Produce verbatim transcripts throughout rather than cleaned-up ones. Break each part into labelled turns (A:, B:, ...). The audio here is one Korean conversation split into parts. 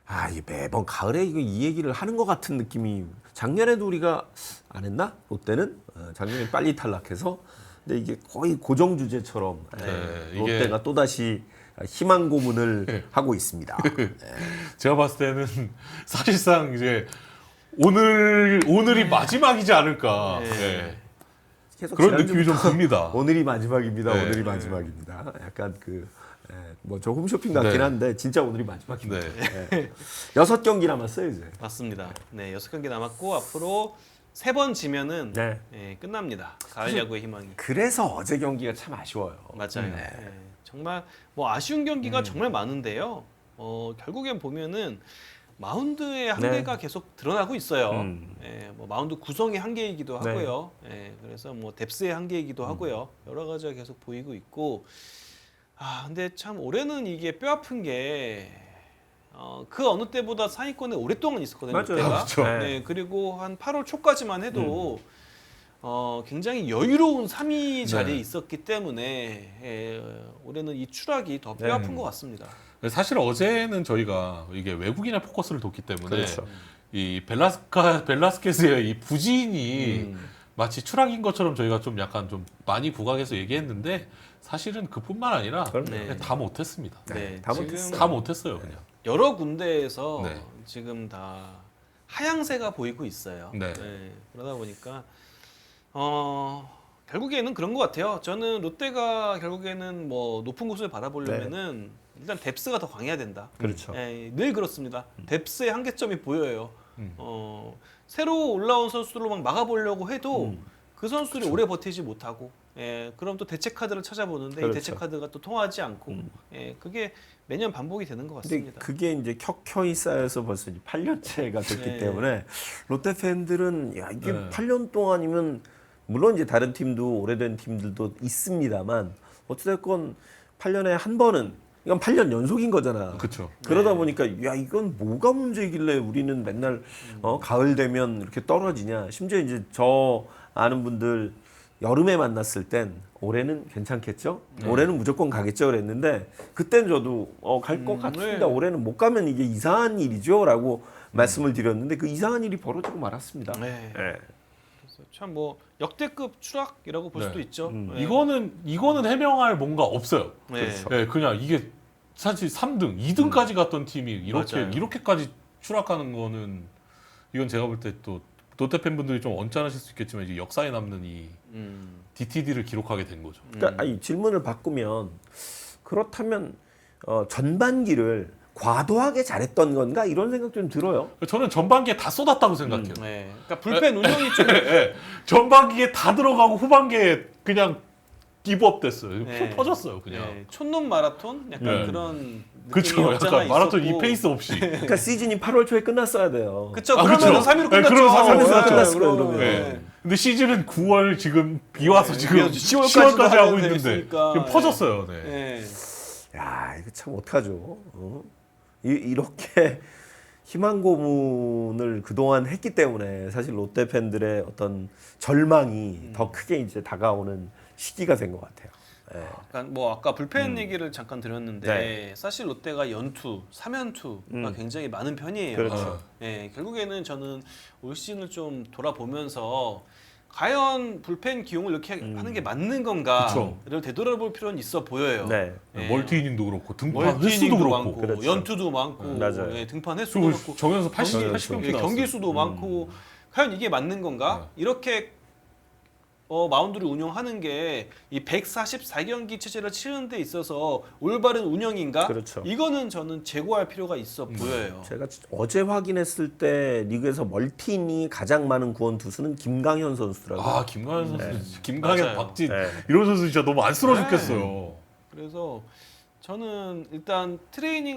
A: 아, 이 매번 가을에 이거 이 얘기를 하는 것 같은 느낌이 작년에도 우리가 안 했나? 롯데는 어, 작년에 빨리 탈락해서 근데 이게 거의 고정 주제처럼
B: 네,
A: 예,
B: 이게-
A: 롯데가 또 다시 희망 고문을
B: 네.
A: 하고 있습니다.
B: 제가 봤을 때는 사실상 이제 오늘 오늘이 마지막이지 않을까.
C: 네.
B: 네.
A: 계속
B: 그런 느낌이 좀
A: 지난주부터
B: 듭니다.
A: 오늘이 마지막입니다.
B: 네.
A: 오늘이 마지막입니다. 약간 그 뭐 저 홈쇼핑 같긴
B: 네.
A: 한데 진짜 오늘이 마지막입니다.
B: 네.
A: 예. 여섯 경기 남았어요 이제.
C: 맞습니다. 네, 여섯 경기 남았고 앞으로 세 번 지면은
A: 네.
C: 예, 끝납니다. 가을 야구의 희망이.
A: 그래서 어제 경기가 참 아쉬워요.
C: 맞아요.
A: 네.
C: 예, 정말 뭐 아쉬운 경기가
A: 음.
C: 정말 많은데요. 어, 결국엔 보면은 마운드의 한계가 계속 드러나고 있어요.
A: 네. 음.
C: 예, 뭐 마운드 구성의 한계이기도
A: 네.
C: 하고요. 예, 그래서 뭐 뎁스의 한계이기도 하고요. 여러 가지가 계속 보이고 있고. 아, 근데 참 올해는 이게 뼈 아픈 게 어, 그 어느 때보다 상위권에 오랫동안 있었거든요.
A: 맞아요.
C: 롯데가.
B: 그렇죠.
A: 네.
C: 네, 그리고 한 팔월 초까지만 해도 어, 굉장히 여유로운 삼 위 자리에
B: 네.
C: 있었기 때문에 예, 올해는 이 추락이 더 뼈
A: 네.
C: 아픈 것 같습니다.
B: 사실 어제는 저희가 이게 외국인의 포커스를 뒀기 때문에
A: 그렇죠.
B: 이 벨라스카 벨라스케스의 이 부진이
C: 음.
B: 마치 추락인 것처럼 저희가 좀 약간 좀 많이 부각해서 얘기했는데 사실은 그뿐만 아니라
A: 그럼요.
C: 네.
B: 그냥 다 못했습니다.
C: 네,
A: 다
C: 지금
A: 못했어요.
B: 다 못했어요 그냥.
C: 여러 군데에서
B: 네.
C: 지금 다 하향세가 보이고 있어요.
B: 네.
C: 그러다 보니까 어, 결국에는 그런 것 같아요. 저는 롯데가 결국에는 뭐 높은 곳을 바라보려면은 일단 뎁스가 더 강해야 된다.
A: 그렇죠.
C: 예, 늘 그렇습니다. 뎁스의 한계점이 보여요.
B: 음.
C: 어, 새로 올라온 선수들로 막 막아보려고 해도
A: 음.
C: 그 선수들이 오래 버티지 못하고, 예, 그럼 또 대체 카드를 찾아보는데
A: 그렇죠.
C: 이 대체 카드가 또 통하지 않고,
A: 음.
C: 예, 그게 매년 반복이 되는 것
A: 근데
C: 같습니다.
A: 그게 이제 켜켜이 쌓여서 벌써 이제 팔 년째가 됐기
C: 네.
A: 때문에 롯데 팬들은 야 이게
B: 네.
A: 팔 년 동안이면 물론 이제 다른 팀도 오래된 팀들도 있습니다만 어찌됐건 팔 년에 한 번은 이건 팔 년 연속인 거잖아.
B: 그렇죠.
A: 그러다
C: 네.
A: 보니까 야 이건 뭐가 문제길래 우리는 맨날 어, 가을 되면 이렇게 떨어지냐. 심지어 이제 저 아는 분들 여름에 만났을 땐 올해는 괜찮겠죠?
B: 네.
A: 올해는 무조건 가겠죠 그랬는데 그땐 저도 어, 갈 것
C: 음,
A: 같습니다.
C: 네.
A: 올해는 못 가면 이게 이상한 일이죠 라고 말씀을 드렸는데 그 이상한 일이 벌어지고 말았습니다.
C: 네.
A: 예.
C: 참 뭐 역대급 추락이라고 볼
B: 네.
C: 수도 있죠.
A: 음.
C: 네.
B: 이거는 이거는 해명할 뭔가 없어요.
C: 네.
A: 그렇죠.
B: 네, 그냥 이게 사실 삼 등, 이 등까지 갔던 팀이 이렇게
C: 맞아요.
B: 이렇게까지 추락하는 거는 이건 제가 볼 때 또 롯데 팬분들이 좀 언짢으실 수 있겠지만 이제 역사에 남는 이
C: 음.
B: 디티디를 기록하게 된 거죠.
A: 그러니까 아니, 질문을 바꾸면 그렇다면 어, 전반기를 과도하게 잘했던 건가 이런 생각 좀 들어요.
B: 저는 전반기에 다 쏟았다고 생각해요.
C: 네. 그러니까 불펜 운영이 좀
B: 예, 전반기에 다 들어가고 후반기에 그냥 기브업 됐어요.
C: 네.
B: 표 터졌어요, 그냥.
C: 네, 촌놈 마라톤 약간
B: 네.
C: 그런
B: 그렇죠.
C: 느낌이 없잖아
B: 약간 마라톤
C: 있었고.
B: 이 페이스 없이.
A: 그러니까 시즌이 팔월 초에 끝났어야 돼요.
C: 그쵸.
B: 아,
C: 그러면
B: 그쵸.
C: 삼 위로
B: 네,
C: 끝났죠.
B: 그러면 삼 위로
A: 끝났죠.
C: 끝났을 거예요,
A: 그러면.
B: 네. 근데 시즌은 구월 지금 비 와서
C: 네,
B: 지금
C: 시월까지도
B: 시월까지 하고
C: 하면
B: 있는데
C: 됐으니까.
B: 지금
C: 네.
B: 퍼졌어요. 네.
C: 네.
A: 야 이거 참 어떡하죠. 어? 이, 이렇게 희망 고문을 그동안 했기 때문에 사실 롯데 팬들의 어떤 절망이 더 크게 이제 다가오는 시기가 된 것 같아요. 예.
C: 약간 뭐 아까 불펜 얘기를 잠깐 드렸는데
A: 음. 네.
C: 사실 롯데가 연투, 삼 연투가
A: 음.
C: 굉장히 많은 편이에요.
A: 그렇죠.
C: 예, 결국에는 저는 올 시즌을 좀 돌아보면서 과연 불펜 기용을 이렇게
A: 음.
C: 하는 게 맞는 건가를
B: 그쵸.
C: 되돌아볼 필요는 있어 보여요.
A: 네.
C: 예.
B: 멀티 이닝도 그렇고 등판
C: 멀티
B: 횟수도
C: 이닝도
B: 그렇고.
C: 많고
A: 그렇죠.
C: 연투도 많고
A: 음, 맞아요.
C: 예, 등판 횟수도
B: 그리고
C: 많고
B: 정현수 팔십,
A: 경기
B: 팔십 경기
C: 예,
B: 나왔어요.
C: 경기 수도
A: 음.
C: 많고 과연 이게 맞는 건가? 이렇게 어, 마운드를 운영하는 게 이 백사십사 경기 체제를 치는 데 있어서 올바른 운영인가?
A: 그렇죠.
C: 이거는 저는 재고할 필요가 있어 보여요.
A: 제가 어제 확인했을 때 리그에서 멀티 이닝이 가장 많은 구원 투수는 김강현 선수라고.
B: 아 김강현 선수, 김강현,
C: 맞아요.
B: 박진
A: 네.
B: 이런 선수 진짜 너무 안쓰러워
C: 네.
B: 죽겠어요.
C: 그래서 저는 일단 트레이닝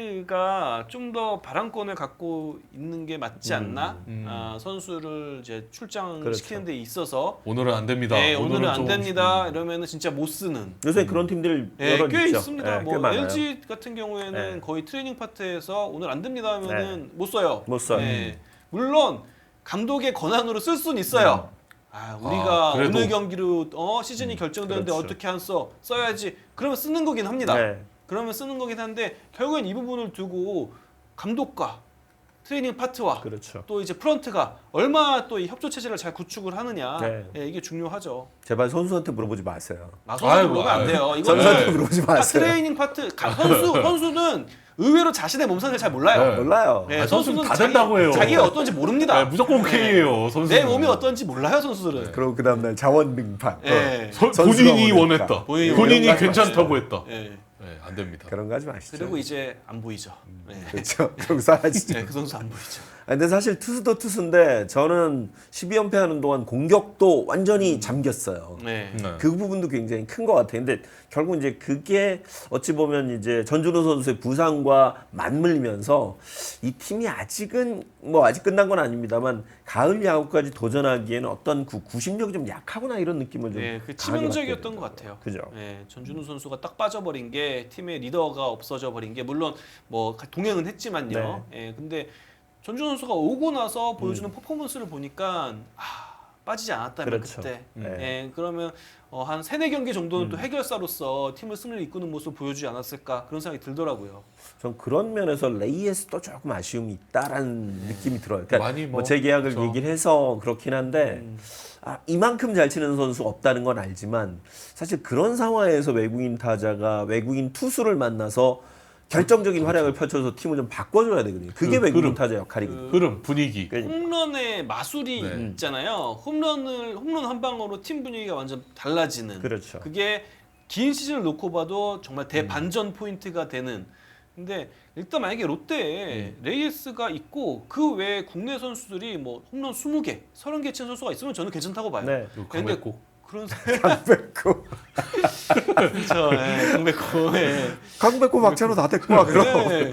C: 파트가 좀 더 발언권을 갖고 있는 게 맞지 않나?
B: 음.
C: 아, 선수를 이제 출장
A: 그렇죠.
C: 시키는 데 있어서
B: 오늘은 안 됩니다.
C: 네, 오늘은 안
B: 좀-
C: 됩니다. 이러면은 진짜 못 쓰는.
A: 요새 그런 팀들
C: 네,
A: 여러
C: 꽤
A: 있죠.
C: 있습니다.
A: 네,
C: 뭐
A: 꽤 많아요.
C: 엘지 같은 경우에는
A: 네.
C: 거의 트레이닝 파트에서 오늘 안 됩니다 하면은 못 써요.
A: 못 써요.
C: 네. 물론 감독의 권한으로 쓸 수는 있어요. 아, 우리가
B: 아, 그래도-
C: 오늘 경기로 어, 시즌이 결정되는데
A: 그렇죠.
C: 어떻게 안 써? 써야지. 그러면 쓰는 거긴 합니다.
A: 네.
C: 그러면 쓰는 거긴 한데 결국엔 이 부분을 두고 감독과 트레이닝 파트와
A: 그렇죠.
C: 또 이제 프런트가 얼마나 또 이 협조 체제를 잘 구축을 하느냐
A: 네.
C: 예, 이게 중요하죠.
A: 제발 선수한테 물어보지 마세요.
C: 나선수
B: 아이고,
C: 물어보면 안
B: 아이고.
C: 돼요. 이거는
A: 선수한테
B: 네.
A: 물어보지
C: 아,
A: 마세요.
C: 트레이닝 파트 가- 선수 선수는 의외로 자신의 몸 상태를 잘 몰라요.
B: 네.
A: 몰라요.
C: 네,
B: 아니, 선수는 다
C: 자기-
B: 된다고 해요.
C: 자기가 어떤지 모릅니다.
B: 네, 무조건 오케이예요. 선수.
C: 내 몸이 어떤지 몰라요 선수들은.
A: 그리고 그 다음날 자원 등판.
C: 예.
B: 서-
A: 선수가
B: 본인이
A: 원했다.
B: 원했다.
C: 본인이
B: 본인이,
A: 원했다.
B: 괜찮다고 했다.
C: 예.
B: 네, 안 됩니다.
A: 그런 거 하지 마시죠.
C: 그리고 이제 안 보이죠. 예.
A: 그렇죠. 그럼 사라지죠.
C: 네, 그 선수 안 보이죠.
A: 아, 근데 사실 투수도 투수인데 저는 십이 연패 하는 동안 공격도 완전히 잠겼어요.
C: 네.
B: 네.
A: 그 부분도 굉장히 큰 것 같아요. 근데 결국 이제 그게 어찌 보면 이제 전준호 선수의 부상과 맞물리면서 이 팀이 아직은 뭐 아직 끝난 건 아닙니다만 가을 야구까지 도전하기에는 어떤 그 구심력이 좀 약하구나 이런 느낌을 좀
C: 네, 그
A: 강하게
C: 치명적이었던
A: 받게
C: 것 같아요.
A: 그죠.
C: 네, 전준우 선수가 딱 빠져버린 게 팀의 리더가 없어져 버린 게 물론 뭐 동행은 했지만요.
A: 네.
C: 예, 근데 전준우 선수가 오고 나서 보여주는 퍼포먼스를 보니까 아, 빠지지 않았다면
A: 그렇죠.
C: 그때.
A: 네.
C: 예, 그러면 어, 한 세네 경기 정도는 또 해결사로서 팀을 승리를 이끄는 모습을 보여주지 않았을까 그런 생각이 들더라고요.
A: 전 그런 면에서 레이에스도 조금 아쉬움이 있다라는 느낌이 들어요. 그러니까
B: 많이 뭐,
A: 뭐 재계약을
B: 그렇죠.
A: 얘기를 해서 그렇긴 한데
C: 음.
A: 아, 이만큼 잘 치는 선수 없다는 건 알지만 사실 그런 상황에서 외국인 타자가 외국인 투수를 만나서 결정적인 활약을 펼쳐서 팀을 좀 바꿔줘야 되거든요. 그게
B: 그
A: 외국인
B: 흐름.
A: 타자 역할이거든요.
B: 흐름, 분위기.
A: 그러니까
C: 홈런의 마술이
B: 네.
C: 있잖아요. 홈런을 홈런 한 방으로 팀 분위기가 완전 달라지는.
A: 그렇죠.
C: 그게 긴 시즌을 놓고 봐도 정말 대반전 포인트가 되는. 근데 일단 만약에 롯데에 레이에스가 있고 그 외에 국내 선수들이 뭐 홈런 스무 개, 서른 개 친 선수가 있으면 저는 괜찮다고 봐요.
A: 네.
B: 그리고
C: 근데
B: 강백호.
C: 그런
A: 강백호,
C: 그렇죠. 예, 강백호. 예.
A: 강백호 박찬호 다 됐고 와 그럼.
C: 네.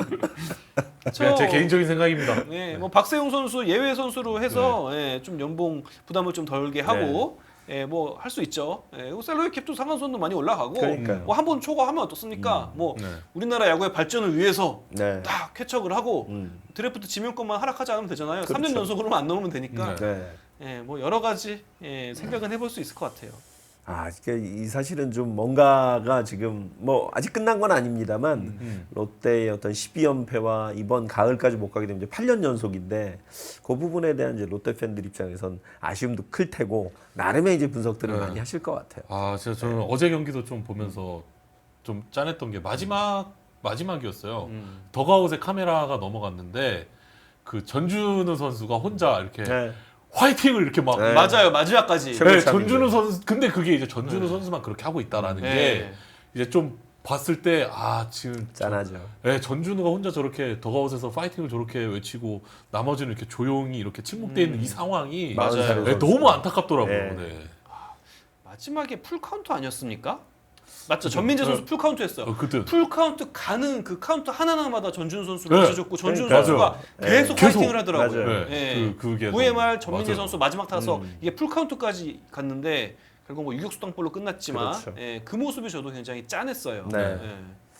B: 그냥 제 개인적인 생각입니다.
C: 네, 뭐 박세용 선수 예외 선수로 해서 예, 좀 연봉 부담을 좀 덜게 하고 예, 뭐 할 수 있죠. 예, 그리고 셀러리 캡도 상한선도 많이 올라가고
A: 그러니까요.
C: 뭐 한 번 초과하면 어떻습니까? 뭐
B: 네.
C: 우리나라 야구의 발전을 위해서
A: 네.
C: 딱 쾌척을 하고
A: 음.
C: 드래프트 지명권만 하락하지 않으면 되잖아요.
A: 그렇죠.
C: 삼 년 연속으로만 안 넣으면 되니까
B: 네.
A: 네.
C: 예, 뭐 여러 가지 예, 생각은 해볼 수 있을 것 같아요.
A: 아, 그러니까 이 사실은 좀 뭔가가 지금 뭐 아직 끝난 건 아닙니다만
B: 음.
A: 롯데의 어떤 십이 연패와 이번 가을까지 못 가게 되면 이제 팔 년 연속인데 그 부분에 대한 이제 롯데 팬들 입장에선 아쉬움도 클 테고 나름의 이제 분석들을
B: 네.
A: 많이 하실 것 같아요.
B: 아, 진짜 저는 어제 경기도 좀 보면서 좀 짠했던 게 마지막 마지막이었어요.
C: 음.
B: 더가웃에 카메라가 넘어갔는데 그 전준우 선수가 혼자 이렇게
A: 네.
B: 화이팅을 이렇게 막
A: 네.
C: 맞아요, 마지막까지.
A: 최고
B: 네,
A: 참인데.
B: 전준우 선수 근데 그게 이제 전준우
C: 네.
B: 선수만 그렇게 하고 있다라는
C: 네.
B: 게 이제 좀 봤을 때 아 지금
A: 짠하죠.
B: 네, 전준우가 혼자 저렇게 더가웃에서 파이팅을 저렇게 외치고 나머지는 이렇게 조용히 이렇게 침묵돼 있는
C: 음.
B: 이 상황이
C: 맞아요.
A: 마흔 살의
B: 네,
A: 선수.
B: 너무 안타깝더라고요.
A: 네.
B: 네.
C: 마지막에 풀 카운트 아니었습니까? 맞죠. 전민재 선수 풀 카운트 했어요.
B: 어, 그때
C: 풀 카운트 가는 그 카운트 하나하나마다 전준 선수를
B: 네.
C: 붙여줬고 전준
A: 그러니까요.
C: 선수가
A: 네.
C: 계속
B: 계속.
C: 파이팅을 하더라고요.
A: 맞아요.
B: 네.
C: 예.
B: 그 그게
C: 구회말
B: 너무-
C: 전민재
B: 맞아요.
C: 선수 마지막 타서
A: 음.
C: 이게 풀 카운트까지 갔는데 결국 뭐 유격수 땅볼로 끝났지만
A: 그렇죠.
C: 예, 그 모습이 저도 굉장히 짠했어요.
A: 네.
C: 예.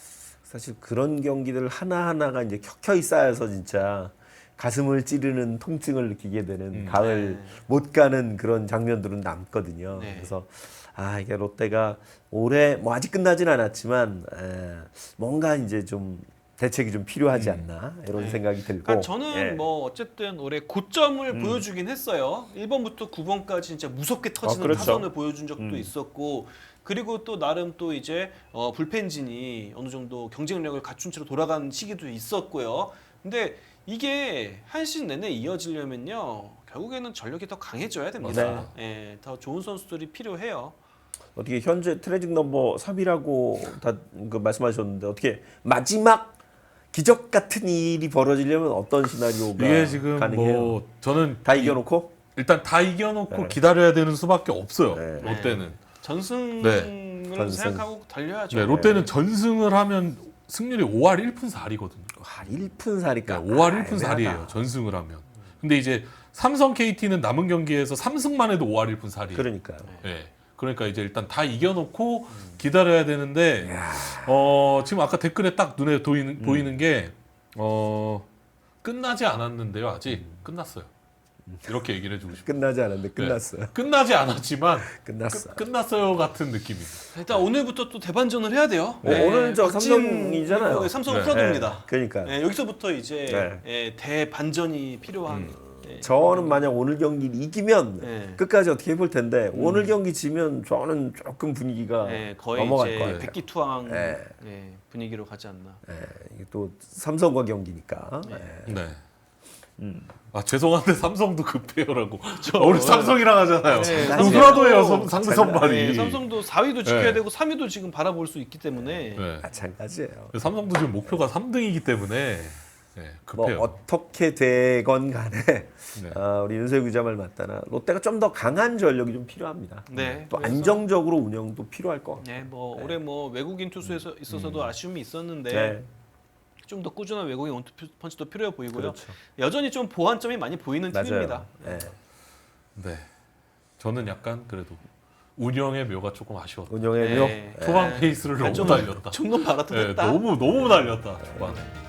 A: 사실 그런 경기들 하나하나가 이제 켜켜이 쌓여서 진짜 가슴을 찌르는 통증을 느끼게 되는
B: 음.
A: 가을
C: 네.
A: 못 가는 그런 장면들은 남거든요.
C: 네.
A: 그래서 아 이게 롯데가 올해 뭐 아직 끝나진 않았지만 에, 뭔가 이제 좀 대책이 좀 필요하지 않나 이런
C: 네.
A: 생각이 들고.
C: 그러니까 저는
A: 예.
C: 뭐 어쨌든 올해 고점을
A: 음.
C: 보여주긴 했어요. 일 번부터 구 번까지 진짜 무섭게 터지는
A: 아, 그렇죠.
C: 타선을 보여준 적도
A: 음.
C: 있었고 그리고 또 나름 또 이제 어, 불펜진이 어느 정도 경쟁력을 갖춘 채로 돌아간 시기도 있었고요. 근데 이게 한 시즌 내내 이어지려면요. 결국에는 전력이 더 강해져야 됩니다. 예, 더 좋은 선수들이 필요해요.
A: 어떻게 현재 트레직 넘버 삼이라고 다 그 말씀하셨는데 어떻게 마지막 기적 같은 일이 벌어지려면 어떤 시나리오가
B: 이게 지금
A: 가능해요?
B: 뭐 저는
A: 다 이겨놓고
B: 일단 다 이겨놓고
A: 네.
B: 기다려야 되는 수밖에 없어요.
A: 네.
B: 롯데는.
C: 전승을
A: 전승.
C: 생각하고 달려야죠.
B: 네, 롯데는 전승을 하면 승률이 오할 일 푼 사리거든요.
A: 아, 일 푼 사리까.
B: 네, 오할 일 푼 사리예요. 전승을 하면. 근데 이제 삼성 케이티는 남은 경기에서 삼 승만 해도 오할 일 푼 사리예요.
A: 그러니까요.
B: 네. 그러니까 이제 일단 다 이겨놓고 기다려야 되는데 어, 지금 아까 댓글에 딱 눈에 보이는, 보이는 게 어, 끝나지 않았는데요. 아직 끝났어요. 이렇게 얘기를 해주고 싶어요.
A: 끝나지 않았는데 끝났어요.
B: 끝나지 않았지만
A: 끝났어.
B: 끝, 끝났어요 같은 느낌입니다.
C: 일단 오늘부터 또 대반전을 해야 돼요.
A: 어, 오늘 저
C: 박진-
A: 삼성이잖아요.
C: 네, 삼성
B: 네.
C: 프라도입니다.
A: 그러니까
C: 네, 여기서부터 이제
A: 네.
C: 예, 대반전이 필요한. 예,
A: 저는 만약 오늘 경기를 이기면
C: 네.
A: 끝까지 어떻게 해볼 텐데 오늘 경기 지면 저는 조금 분위기가
C: 예, 거의
A: 넘어갈
C: 이제
A: 거예요.
C: 백기투항
A: 네.
C: 예, 분위기로 가지 않나.
A: 예, 이게 또 삼성과 경기니까.
C: 네.
A: 예.
B: 네.
A: 음.
B: 아 죄송한데 삼성도 급해요라고. 아, 우리 삼성이랑 하잖아요.
C: 네,
B: 누구라도예요
C: 삼성도-
B: 상대 선발이.
C: 네, 삼성도 사 위도 지켜야
B: 네.
C: 되고 삼 위도 지금 바라볼 수 있기 때문에
B: 네.
A: 마찬가지예요.
B: 삼성도 지금 목표가 삼 등이기 때문에 네,
A: 뭐
B: 급해요.
A: 어떻게 되건 간에
B: 네.
A: 아, 우리 윤석열 기자 말 맞다나 롯데가 좀 더 강한 전력이 좀 필요합니다.
C: 네,
A: 또
C: 그래서-
A: 안정적으로 운영도 필요할 것 같고.
C: 네, 뭐 올해 뭐 외국인 투수에서 있어서도 아쉬움이 있었는데
A: 네.
C: 좀 더 꾸준한 외국인 원투펀치도 필요해 보이고요.
A: 그렇죠.
C: 여전히 좀 보완점이 많이 보이는 팀입니다.
A: 맞아요. 네.
B: 네. 저는 약간 그래도 운영의 묘가 조금 아쉬웠다.
A: 운영의
C: 네.
A: 묘.
C: 네.
B: 초반 페이스를 너무
C: 좀-
B: 날렸다.
C: 종로 마라톤
B: 네,
C: 했다.
B: 너무 너무 날렸다 초반에.